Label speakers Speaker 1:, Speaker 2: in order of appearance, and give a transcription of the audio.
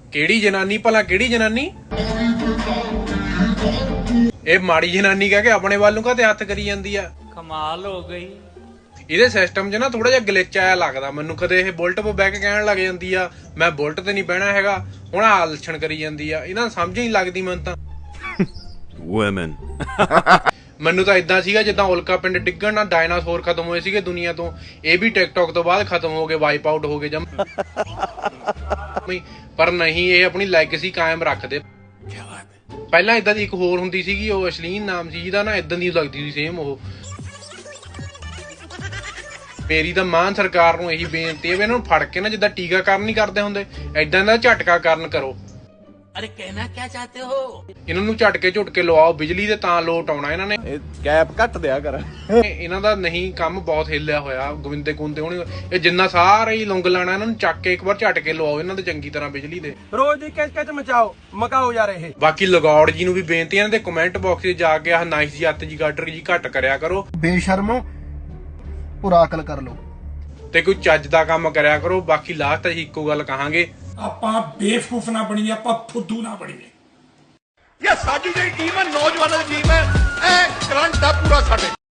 Speaker 1: ਕਿਹੜੀ ਜਨਾਨੀ ਭਲਾ, ਕਿਹੜੀ ਜਨਾਨੀ? ਇਹ ਮਾੜੀ ਜਨਾਨੀ ਕਹਿ ਕੇ ਆਪਣੇ ਵੱਲ ਨੂੰ ਕਾਹਤੇ ਹੱਥ ਕਰੀ ਜਾਂਦੀ ਆ?
Speaker 2: ਕਮਾਲ ਹੋ ਗਈ।
Speaker 1: ਇਹਦੇ ਸਿਸਟਮ 'ਚ ਨਾ ਥੋੜਾ ਜਿਹਾ ਗਲਿਚ ਆਇਆ ਲੱਗਦਾ ਮੈਨੂੰ। ਕਦੇ ਇਹ ਬੁਲਟ 'ਤੇ ਬਹਿ ਕੇ ਕਹਿਣ ਲੱਗ ਜਾਂਦੀ ਆ ਮੈਂ ਬੁਲਟ ਤੇ ਨਹੀਂ ਬਹਿਣਾ ਹੈਗਾ, ਹੁਣ ਆਹ ਲੱਛਣ ਕਰੀ ਜਾਂਦੀ ਆ। ਇਹਨਾਂ ਨੂੰ ਸਮਝ ਹੀ ਨਹੀਂ ਲੱਗਦੀ ਮੈਨੂੰ ਤਾਂ।
Speaker 3: Women.
Speaker 1: ਮੈਨੂੰ ਤਾਂ ਇਦਾਂ ਸੀਗਾ ਜਿੱਦਾਂ ਉਲਕਾ ਪਿੰਡ ਡਿੱਗਣ ਨਾਲ ਡਾਇਨਾਸੌਰ ਖਤਮ ਹੋਏ ਸੀਗੇ ਦੁਨੀਆ ਤੋਂ, ਇਹ ਵੀ ਟਿਕਟੌਕ ਤੋਂ ਬਾਅਦ ਖਤਮ ਹੋ ਗਏ, ਵਾਈਪ ਆਊਟ ਹੋ ਗਏ ਜਮ। ਪਰ ਨਹੀਂ, ਇਹ ਆਪਣੀ ਲੈਗੇਸੀ ਕਾਇਮ ਰੱਖਦੇ। ਪਹਿਲਾਂ ਇਦਾਂ ਦੀ ਇੱਕ ਹੋਰ ਹੁੰਦੀ ਸੀਗੀ, ਉਹ ਅਸ਼ਲੀਨ ਨਾਮ ਸੀ ਜਿਹਦਾ, ਨਾ ਇਦਾਂ ਦੀ ਲੱਗਦੀ ਸੀ ਸੇਮ ਉਹ। ਮੇਰੀ ਤਾਂ ਮਾਨ ਸਰਕਾਰ ਨੂੰ ਇਹੀ ਬੇਨਤੀ ਹੈ ਵੀ ਇਹਨਾਂ ਨੂੰ ਫੜ ਕੇ ਨਾ ਜਿੱਦਾਂ ਟੀਕਾਕਰਨ ਨਹੀਂ ਕਰਦੇ ਹੁੰਦੇ, ਏਦਾਂ ਦਾ ਝਟਕਾਕਰਨ ਕਰੋ।
Speaker 2: ਅਰੇ ਕਹਿਣਾ ਕੀ ਚਾਹਤੇ ਹੋ?
Speaker 1: ਇਹਨਾਂ ਨੂੰ ਝਟਕੇ ਝੁਟਕੇ ਲਵਾਓ ਬਿਜਲੀ ਦੇ, ਤਾਂ ਲੋਟ ਆਉਣਾ ਇਹਨਾਂ ਨੇ।
Speaker 4: ਕੈਪ ਘੱਟ ਦਿਆ ਕਰ।
Speaker 1: ਇਹਨਾਂ ਦਾ ਨਹੀਂ ਕੰਮ ਬਹੁਤ ਹਿੱਲਿਆ ਹੋਇਆ। ਗੋਵਿੰਦੇ ਕੁੰਦੇ ਹੋਣੀ, ਇਹ ਜਿੰਨਾ ਸਾਰਾ ਹੀ ਲੁੰਗ ਲਾਣਾ, ਇਹਨਾਂ ਨੂੰ ਚੱਕ ਕੇ ਇੱਕ ਵਾਰ ਝਟਕੇ ਲਵਾਓ ਇਹਨਾਂ ਦੇ ਚੰਗੀ ਤਰ੍ਹਾਂ ਬਿਜਲੀ ਦੇ।
Speaker 4: ਰੋਜ਼ ਦੀ ਕਿਚ ਮਚਾਓ, ਮਕਾਓ ਯਾਰ ਇਹ।
Speaker 1: ਬਾਕੀ ਲਗੌੜ ਜੀ ਨੂੰ ਵੀ ਬੇਨਤੀ ਹੈ, ਇਹਨਾਂ ਦੇ ਕਮੈਂਟ ਬਾਕਸ 'ਚ ਜਾ ਕੇ ਆਹ ਨਾਈਸ ਜੀ ਅੱਤ ਜੀ ਗਾਡਰ ਜੀ ਘੱਟ ਕਰਿਆ ਕਰੋ।
Speaker 5: ਬੇਸ਼ਰਮੋ, ਪੂਰਾ ਅਕਲ ਕਰ ਲਓ
Speaker 1: ਤੇ ਕੋਈ ਚੱਜ ਦਾ ਕੰਮ ਕਰਿਆ ਕਰੋ। ਬਾਕੀ ਲਾਸਟ ਅਸੀਂ ਇੱਕੋ ਗੱਲ ਕਹਾਂਗੇ,
Speaker 6: ਆਪਾਂ ਬੇਵਕੂਫ ਨਾ ਬਣੀਏ, ਆਪਾਂ ਫੁੱਦੂ ਨਾ ਬਣੀਏ।
Speaker 7: ਇਹ ਸਾਡੀ ਜਿਹੜੀ ਟੀਮ ਹੈ, ਨੌਜਵਾਨਾਂ ਦੀ ਟੀਮ ਹੈ, ਇਹ ਕਰੰਟ ਦਾ ਪੂਰਾ ਸਾਡੇ।